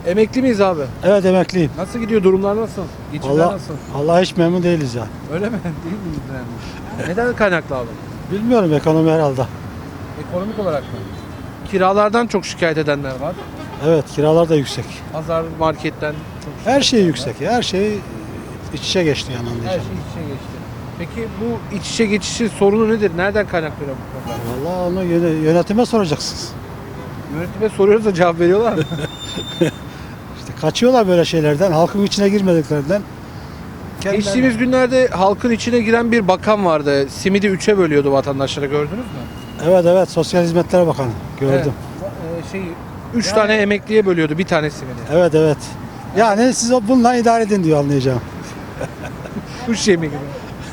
Emekli miyiz abi? Evet, emekliyim. Nasıl gidiyor? Durumlar nasıl? Geçimler Allah, nasıl? Allah hiç memnun değiliz ya. Öyle mi? Değil miyiz yani? Neden kaynaklı abi? Bilmiyorum, ekonomi herhalde. Ekonomik olarak mı? Kiralardan çok şikayet edenler var. Evet, kiralar da yüksek. Pazar, marketten çok Her şey şikayet yüksek. Her şey iç içe geçti yani edenler. Her anlayacağım. şey iç içe geçti. Peki bu iç içe geçişin sorunu nedir? Nereden kaynaklanıyor bu problem? Vallahi onu yönetime soracaksınız. Yönetime soruyoruz da cevap veriyorlar mı? İşte kaçıyorlar böyle şeylerden, halkın içine girmediklerinden. Geçtiğimiz günlerde halkın içine giren bir bakan vardı. Simidi 3'e bölüyordu vatandaşlara, gördünüz mü? Evet, Sosyal Hizmetler Bakanı gördüm. Evet. 3 tane emekliye bölüyordu bir tane simidi. Evet. Yani siz bununla idare edin diyor anlayacağım. Kuş yemi gibi.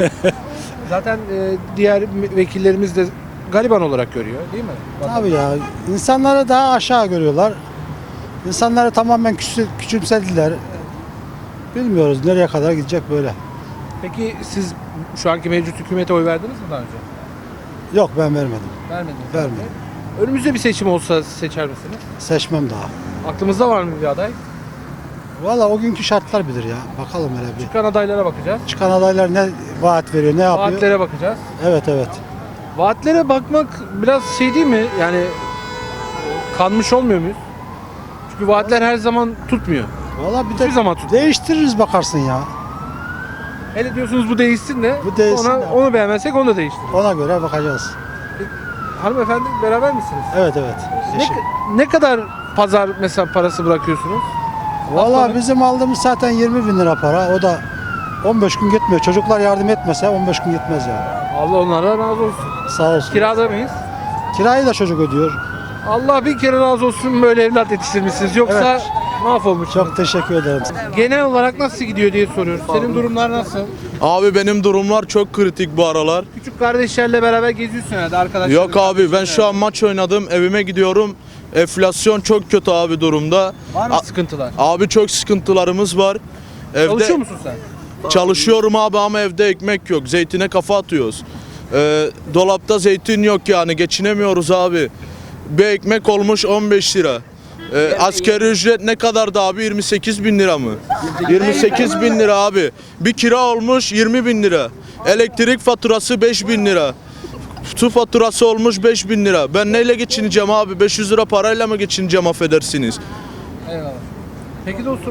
Zaten diğer vekillerimiz de gariban olarak görüyor değil mi? Tabii ya, insanları daha aşağı görüyorlar. İnsanları tamamen küçümsediler. Bilmiyoruz nereye kadar gidecek böyle. Peki siz şu anki mevcut hükümete oy verdiniz mi daha önce? Yok, ben vermedim. Vermediniz. Vermedim. Önümüzde bir seçim olsa seçer misiniz? Seçmem daha. Aklımızda var mı bir aday? Valla o günkü şartlar bilir ya. Bakalım hele bir. Çıkan adaylara bakacağız. Çıkan adaylar ne vaat veriyor, ne yapıyor? Vaatlere bakacağız. Evet. Vaatlere bakmak biraz şey değil mi? Yani kanmış olmuyor muyuz? Çünkü vaatler her zaman tutmuyor. Valla bir Hiçbir de zaman tutmuyor. değiştiririz bakarsın ya. Hele diyorsunuz bu değişsin de. Bu değişsin Ona, de. onu beğenmezsek onu da değiştiririz. Ona göre bakacağız. Hanımefendi beraber misiniz? Evet. Ne kadar pazar mesela parası bırakıyorsunuz? Valla bizim aldığımız zaten 20 bin lira para. O da 15 gün gitmiyor. Çocuklar yardım etmese 15 gün gitmez yani. Allah onlara razı olsun. Sağ olsun. Kirada mıyız? Kirayı da çocuk ödüyor. Allah bir kere razı olsun, böyle evlat yetiştirmişsiniz. Yoksa Evet. mahvolmuş. Çok teşekkür ederim. Genel olarak nasıl gidiyor diye soruyoruz. Senin durumlar nasıl? Abi benim durumlar çok kritik bu aralar. Küçük kardeşlerle beraber geziyorsun herhalde arkadaşlar. Yok abi ben şu an maç oynadım, evime gidiyorum. Enflasyon çok kötü abi durumda. Var mı sıkıntılar? Abi çok sıkıntılarımız var. Evde Çalışıyor musun sen? çalışıyorum abi ama evde ekmek yok. Zeytine kafa atıyoruz. Dolapta zeytin yok yani geçinemiyoruz abi. Bir ekmek olmuş 15 lira. Asgari ücret ne kadardı abi? 28 bin lira mı? 28 bin lira abi. Bir kira olmuş 20 bin lira. Elektrik faturası 5 bin lira. Su faturası olmuş 5 bin lira. Ben neyle geçineceğim abi? 500 lira parayla mı geçineceğim affedersiniz? Eyvallah. Peki dostum,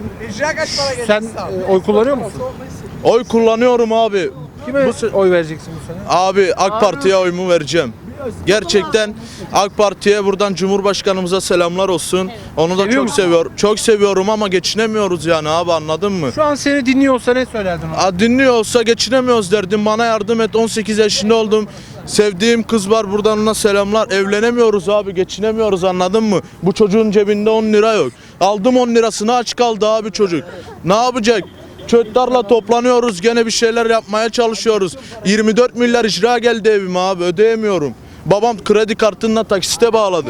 sen oy kullanıyor musun? Oy kullanıyorum abi. Kime oy vereceksin bu sene? Abi AK Parti'ye oyumu vereceğim. Gerçekten AK Parti'ye buradan Cumhurbaşkanımıza selamlar olsun. Onu da Seviyor çok musun? seviyorum. Çok seviyorum ama geçinemiyoruz yani abi anladın mı? Şu an seni dinliyor olsa ne söylerdin ona? Dinliyor olsa geçinemiyoruz derdim. Bana yardım et. 18 yaşında oldum. Sevdiğim kız var buradan ona selamlar. Evlenemiyoruz abi geçinemiyoruz anladın mı? Bu çocuğun cebinde 10 lira yok. Aldım 10 lirasını aç kaldı abi çocuk. Ne yapacak? Çocuklarla toplanıyoruz gene bir şeyler yapmaya çalışıyoruz. 24 milyar icra geldi evime abi ödeyemiyorum. Babam kredi kartına taksite bağladı.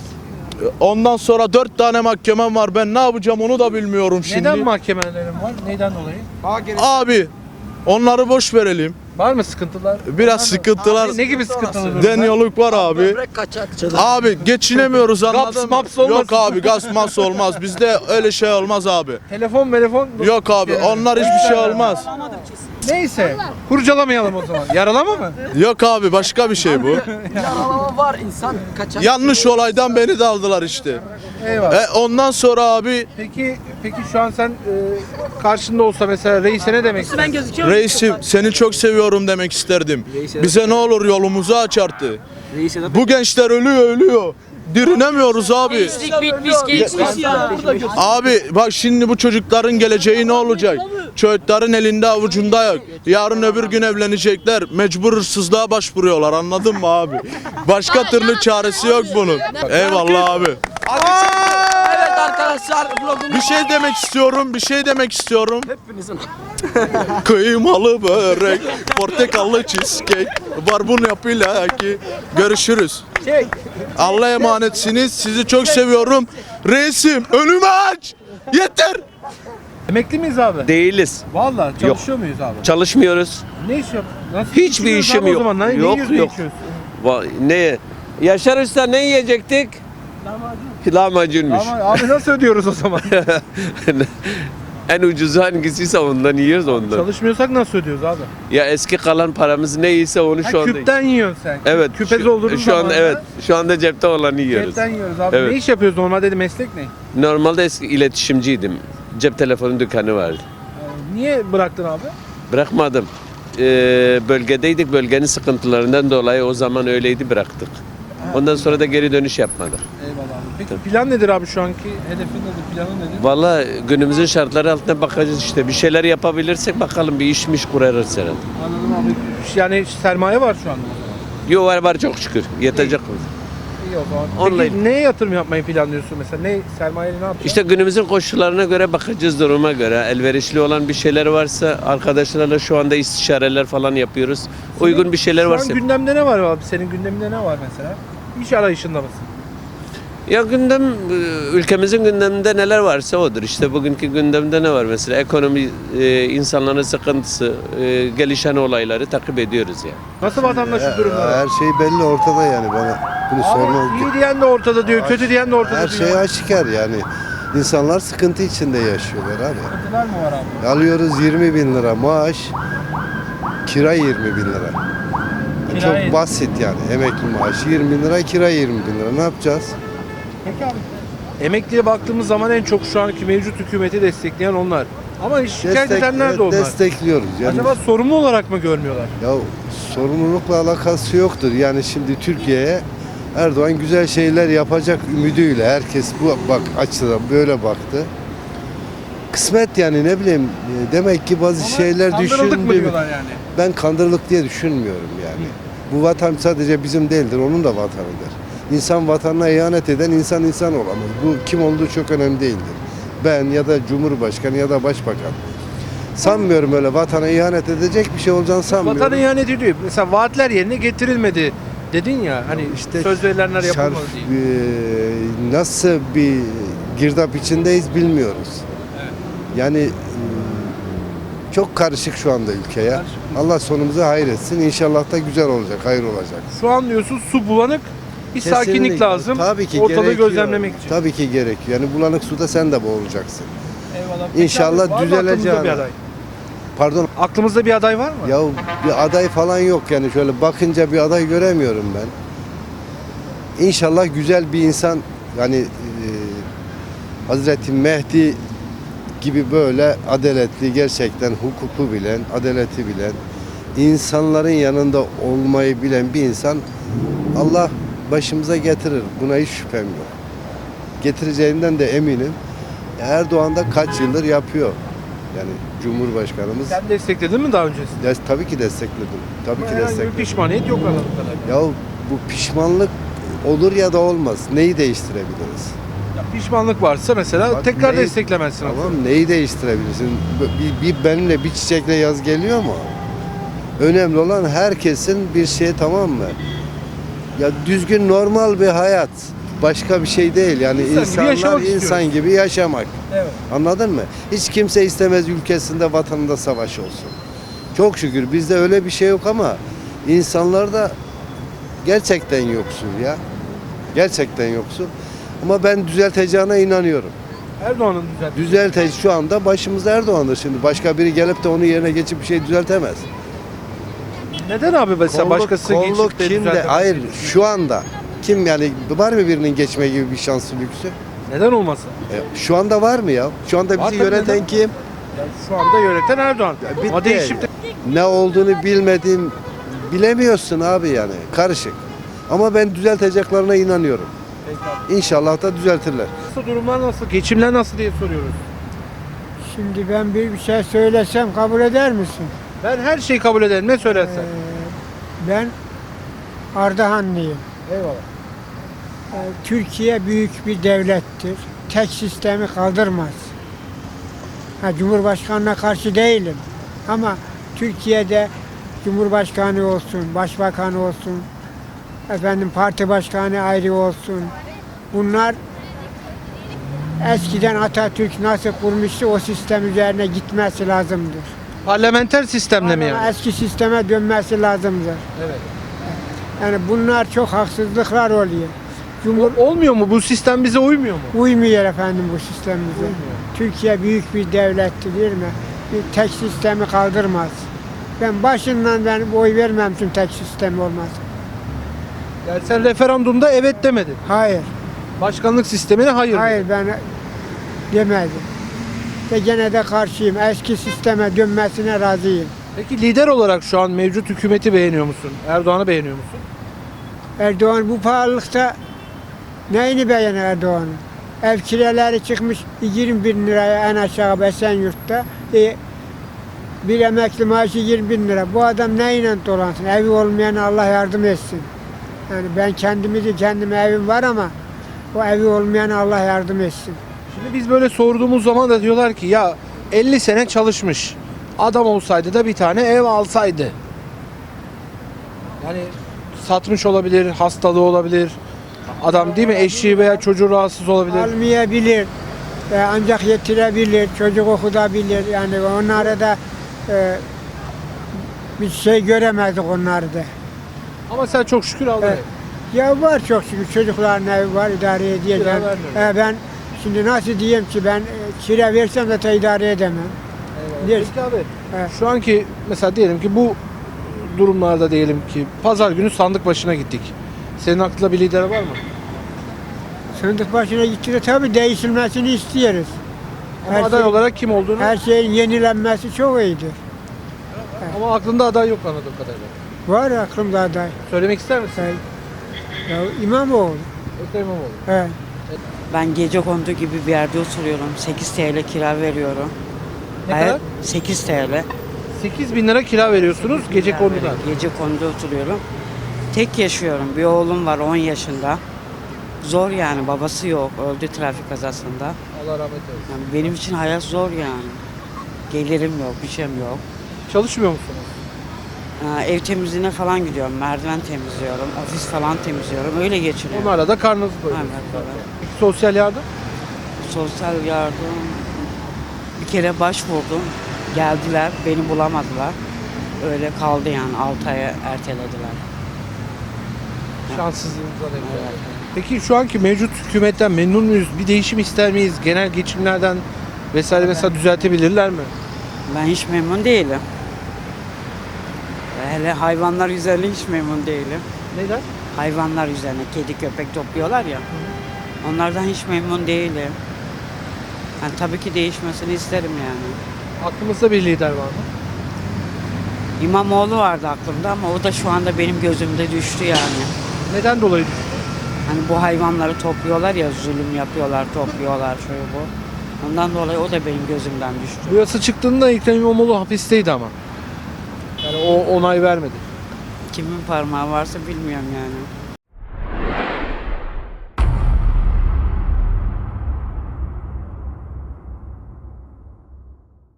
Ondan sonra 4 tane mahkemem var. Ben ne yapacağım onu da bilmiyorum şimdi. Neden mahkemelerin var? Neyden dolayı? Abi onları boş verelim. Var mı sıkıntılar? Biraz sıkıntılar. Ne gibi sıkıntılar? Deniyorluk var abi. Abi geçinemiyoruz anladın mı? maps olmasın. Yok abi gaz maps olmaz. Bizde öyle şey olmaz abi. Telefon. Yok abi onlar hiçbir şey olmaz. Neyse. Kurcalamayalım o zaman. Yaralama mı? Yok abi başka bir şey bu. Yaralama var insan kaçar. Yanlış olaydan beni de aldılar işte. Eyvallah. Ondan sonra abi Peki şu an sen karşında olsa mesela reise ne demek istersin? Ben gözüküyorum. reisim seni çok seviyorum demek isterdim. Bize ne olur yolumuzu aç artık. Bu gençler ölüyor. Dirinemiyoruz abi. Bitmiş geçmiş ya. Abi bak şimdi bu çocukların geleceği ne olacak? Çocukların elinde avucunda yok. Yarın öbür gün evlenecekler. Mecbur hırsızlığa başvuruyorlar anladın mı abi? Başka türlü çaresi yok bunun. Eyvallah abi. Evet arkadaşlar vlogumuz Bir şey demek istiyorum. hepinizin. Kıymalı börek, portakallı cheesecake, barbun yapıyla ki. Görüşürüz. Allah'a emanetsiniz. Sizi çok seviyorum. Reisim önümü aç. Yeter. Emekli miyiz abi? Değiliz. Vallahi çalışıyor muyuz abi? Çalışmıyoruz. Ne iş yap? Nasıl Hiçbir geçiniyoruz işim abi o yok. zaman? Ne Yok, yiyoruz, ne yok. içiyoruz? Ne? Yaşar Usta ne yiyecektik? Lahmacunmuş. Ama abi nasıl ödüyoruz o zaman? En ucuzu hangisiyse ondan yiyoruz ondan. Çalışmıyorsak nasıl ödüyoruz abi? Ya eski kalan paramız neyse onu şu anda. Küpten yiyorsun sen. Evet. Küpez olduğumuz şu zaman anda evet. Şu anda cepte olanı yiyoruz. Cepten yiyoruz abi. Evet. Ne iş yapıyoruz normalde dedi meslek ne? Normalde eski iletişimciydim. Cep telefonu dükkanı vardı. Niye bıraktın abi? Bırakmadım. Bölgedeydik. Bölgenin sıkıntılarından dolayı o zaman öyleydi, bıraktık. Ondan sonra da geri dönüş yapmadık. Eyvallah abi. Peki plan nedir abi şu anki? Hedefin nedir? Planın nedir? Vallahi günümüzün şartları altında bakacağız işte. Bir şeyler yapabilirsek bakalım bir işmiş kurarız herhalde. Anladım abi. Yani sermaye var şu anda. Yo var çok şükür. Yetecek. İyi o zaman. Peki Online. neye yatırım yapmayı planlıyorsun mesela? Ne sermayeyle ne yapacaksın? İşte günümüzün koşullarına göre bakacağız, duruma göre. Elverişli olan bir şeyler varsa arkadaşlarla şu anda istişareler falan yapıyoruz. Uygun bir şeyler Şu varsa. an gündemde ne var abi? Senin gündeminde ne var mesela? İş arayışında mısın? Ya gündem, ülkemizin gündeminde neler varsa odur. İşte bugünkü gündemde ne var mesela? Ekonomi, insanların sıkıntısı, gelişen olayları takip ediyoruz yani. Nasıl vatandaşın durumları? Her şey belli ortada yani bana. Bunu sorma. Abi, iyi diyen de ortada diyor, kötü diyen de ortada Her diyor. şey aşikar yani. İnsanlar sıkıntı içinde yaşıyorlar abi. Sıkıntılar mı var abi? Alıyoruz 20 bin lira maaş, kira 20 bin lira. Kira Çok 20. basit yani. Emekli maaşı 20 bin lira, kira 20 bin lira. Ne yapacağız? Peki abi. Emekliye baktığımız zaman en çok şu anki mevcut hükümeti destekleyen onlar. Ama şikayet edenler de onlar. Destekliyoruz. Yani, Acaba sorumlu olarak mı görmüyorlar? ya sorumlulukla alakası yoktur. Yani şimdi Türkiye'ye Erdoğan güzel şeyler yapacak ümidiyle herkes bu açıdan böyle baktı. Kısmet yani ne bileyim demek ki bazı şeyler Kandırıldık mı düşündü. diyorlar yani? Ben kandırılık diye düşünmüyorum yani. Bu vatan sadece bizim değildir, onun da vatanıdır. İnsan vatanına ihanet eden insan olamaz. Bu kim olduğu çok önemli değildir. Ben ya da Cumhurbaşkanı ya da Başbakan. Sanmıyorum öyle vatana ihanet edecek bir şey olacağını sanmıyorum. Vatan ihanet ediyor. Mesela vaatler yerine getirilmedi dedin ya hani İşte söz verilenler yapılmadı diye. Nasıl bir girdap içindeyiz bilmiyoruz. Yani çok karışık şu anda ülke ya. Karışık. Allah sonumuzu hayretsin. İnşallah da güzel olacak, hayır olacak. Şu an diyorsun su bulanık, bir sakinlik Kesinlikle. lazım. Tabii ki ortalığı gerekiyor. gözlemlemek için. Tabii ki gerekiyor. Yani bulanık suda sen de boğulacaksın. Eyvallah. İnşallah Peki abi, var mı düzeleceğine. aklımızda bir aday? Pardon. Aklımızda bir aday var mı? Ya bir aday falan yok yani şöyle bakınca bir aday göremiyorum ben. İnşallah güzel bir insan yani Hazreti Mehdi gibi böyle adaletli, gerçekten hukuku bilen, adaleti bilen, insanların yanında olmayı bilen bir insan Allah başımıza getirir. Buna hiç şüphem yok. Getireceğinden de eminim. Erdoğan da kaç yıldır yapıyor. Yani Cumhurbaşkanımız. Sen destekledin mi daha öncesinde? Tabii ki destekledim. Tabii ki Herhangi bir destekledim. pişmaniyet yok anladığım kadarıyla. Ya bu pişmanlık olur ya da olmaz. Neyi değiştirebiliriz? Ya pişmanlık varsa mesela Bak, tekrar neyi- desteklemezsin. Tamam neyi değiştirebilirsin? Benimle bir çiçekle yaz geliyor mu? Önemli olan herkesin bir şey, tamam mı? Ya düzgün normal bir hayat. Başka bir şey değil. Yani İnsan gibi insanlar yaşamak insan istiyoruz. gibi yaşamak. Evet. Anladın mı? Hiç kimse istemez ülkesinde, vatanında savaş olsun. Çok şükür bizde öyle bir şey yok ama insanlarda gerçekten yoksul ya. Gerçekten yoksul. Ama ben düzelteceğine inanıyorum. Erdoğan'ın düzeltmesi. Şu anda başımızda Erdoğan'dır şimdi. Başka biri gelip de onun yerine geçip bir şey düzeltemez. Neden abi mesela başkası geçip de kimde? düzeltemez? Hayır şu anda. Kim yani var mı birinin geçme gibi bir şansı lüksü? Neden olmasın? Şu anda var mı ya? Şu anda Var bizi tabii, yöneten neden? kim? Yani şu anda yöneten Erdoğan. Bitti. Ama değişip de Ne olduğunu bilemiyorsun abi yani. Karışık. Ama ben düzelteceklerine inanıyorum. İnşallah da düzeltirler. nasıl durumlar nasıl? Geçimler nasıl diye soruyoruz. Şimdi ben bir şey söylesem kabul eder misin? Ben her şeyi kabul ederim. Ne söylersen. Ben Ardahanlıyım. Eyvallah. Türkiye büyük bir devlettir. Tek sistemi kaldırmaz. Cumhurbaşkanına karşı değilim. Ama Türkiye'de Cumhurbaşkanı olsun, Başbakanı olsun, parti başkanı ayrı olsun. Bunlar eskiden Atatürk nasıl kurmuştu o sistem üzerine gitmesi lazımdır. Parlamenter sistemle mi yani? Eski sisteme dönmesi lazımdır. Evet. Yani bunlar çok haksızlıklar oluyor. Olmuyor mu? Bu sistem bize uymuyor mu? Uymuyor efendim bu sistemimize. Türkiye büyük bir devletti değil mi? Bir tek sistemi kaldırmaz. Ben başından oy vermem tüm tek sistem olmaz. Yani sen referandumda evet demedin. Hayır. Başkanlık sistemine hayır. Hayır ben demedim. Ve gene de karşıyım. Eski sisteme dönmesine razıyım. Peki lider olarak şu an mevcut hükümeti beğeniyor musun? Erdoğan'ı beğeniyor musun? Erdoğan bu pahalılıkta neyini beğenir Erdoğan'ın? Ev kiraları çıkmış 20 bin liraya en aşağı Esenyurt'ta. Bir emekli maaşı 20 bin lira. Bu adam neyle dolansın? Evi olmayana Allah yardım etsin. Yani ben kendime evim var ama o evi olmayana Allah yardım etsin. Şimdi biz böyle sorduğumuz zaman da diyorlar ki ya 50 sene çalışmış. Adam olsaydı da bir tane ev alsaydı. Yani satmış olabilir, hastalığı olabilir. Adam değil mi? Eşi veya çocuğu rahatsız olabilir. Almayabilir. Ancak yetirebilir, çocuk okutabilir. Yani onlara da bir şey göremezdik onları da. Ama sen çok şükür aldın. Evet. Ya var çok şükür çocukların evi var idare edeceğim. Kira vermiyor. Ben şimdi nasıl diyeyim ki ben kira versem de idare edemem. Diyor- Peki abi Evet. şu anki mesela diyelim ki bu durumlarda diyelim ki pazar günü sandık başına gittik. Senin aklında bir lider var mı? Sandık başına gitti de tabii değişilmesini istiyoruz. Ama Her aday şey- olarak kim olduğunu Her şeyin yenilenmesi çok iyidir. ama aklında aday yok anladığım kadarıyla. Var aklımda aday. Söylemek ister misin? Ya İmamoğlu. Ekrem İmamoğlu. Evet. Ben gecekondu gibi bir yerde oturuyorum. 8 TL kira veriyorum. Ne Hayat- kadar? 8 TL. 8 bin lira kira veriyorsunuz gece konuda. Gecekonduda oturuyorum. Tek yaşıyorum. Bir oğlum var 10 yaşında. Zor yani, babası yok. Öldü trafik kazasında. Allah rahmet eylesin. Yani benim için hayat zor yani. Gelirim yok, bir şeyim yok. Çalışmıyor musunuz? Ev temizliğine falan gidiyorum. Merdiven temizliyorum, ofis falan temizliyorum. Öyle geçiniyorum. Onlarla da karnınızı doyuruyorsunuz. Evet, evet. Peki sosyal yardım? Sosyal yardım bir kere başvurdum. Geldiler, beni bulamadılar. Öyle kaldı yani 6 aya ertelediler. Şanssızlığınıza denk geldi. Peki şu anki mevcut hükümetten memnun muyuz? Bir değişim ister miyiz? Genel geçimlerden vesaire mesela düzeltebilirler mi? Ben hiç memnun değilim. Hele hayvanlar üzerine hiç memnun değilim. Neden? Hayvanlar üzerine kedi köpek topluyorlar ya. Onlardan hiç memnun değilim. Yani tabii ki değişmesini isterim yani. Aklımızda bir lider var mı? İmamoğlu vardı aklımda ama o da şu anda benim gözümde düştü yani. Neden dolayı düştü? Hani bu hayvanları topluyorlar ya, zulüm yapıyorlar, topluyorlar şöyle bu. Ondan dolayı o da benim gözümden düştü. Bu yasa çıktığında Ekrem İmamoğlu hapisteydi ama. Yani o onay vermedi. Kimin parmağı varsa bilmiyorum yani.